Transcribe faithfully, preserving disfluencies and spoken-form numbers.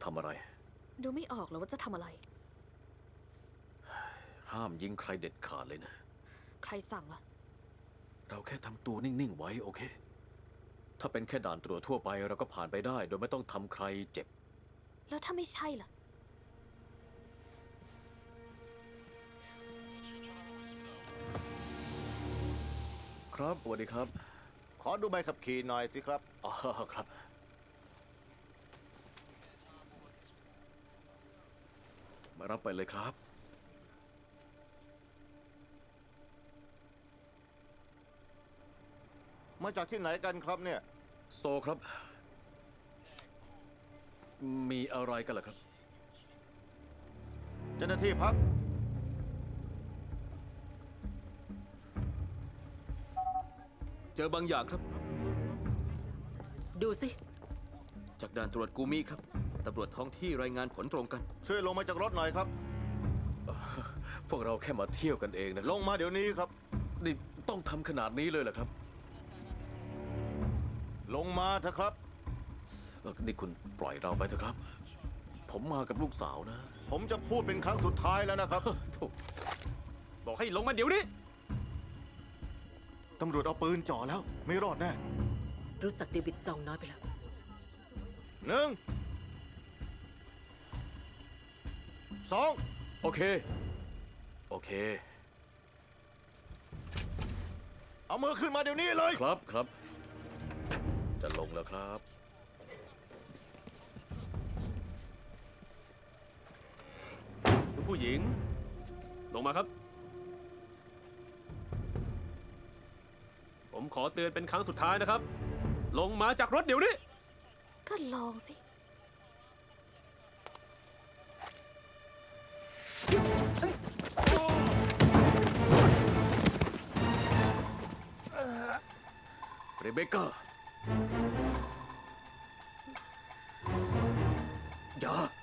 ทำอะไรดูไม่ออกหรอว่าจะทำอะไรห้ามยิงใครเด็ดขาดเลยนะใครสั่งล่ะเราแค่ทำตัวนิ่งๆไว้โอเคถ้าเป็นแค่ด่านตรวจทั่วไปเราก็ผ่านไปได้โดยไม่ต้องทำใครเจ็บแล้วถ้าไม่ใช่ล่ะครับสวัสดีครับขอดูใบขับขี่หน่อยสิครับอ๋อครับมารับไปเลยครับมาจากที่ไหนกันครับเนี่ยโซครับมีอะไรกันเหรอครับเจ้าหน้าที่พักเจอบางอย่างครับดูสิจากด่านตรวจกูมิครับตำรวจท้องที่รายงานผลตรงกันช่วยลงมาจากรถหน่อยครับพวกเราแค่มาเที่ยวกันเองนะลงมาเดี๋ยวนี้ครับนี่ต้องทำขนาดนี้เลยเหรอครับลงมาเถอะครับนี่คุณปล่อยเราไปเถอะครับผมมากับลูกสาวนะผมจะพูดเป็นครั้งสุดท้ายแล้วนะครับบอกให้ลงมาเดี๋ยวนี้ตำรวจเอาปืนจ่อแล้วไม่รอดแน่รู้จักเดวิดจองน้อยไปแล้วหนึ่งสองโอเคโอเคเอามือขึ้นมาเดี๋ยวนี้เลยครับครับจะลงแล้วครับคุณผู้หญิงลงมาครับผมขอเตือนเป็นครั้งสุดท้ายนะครับลงมาจากรถเดี๋ยวนี้ก็ลองสิเรเบคก้าอย่า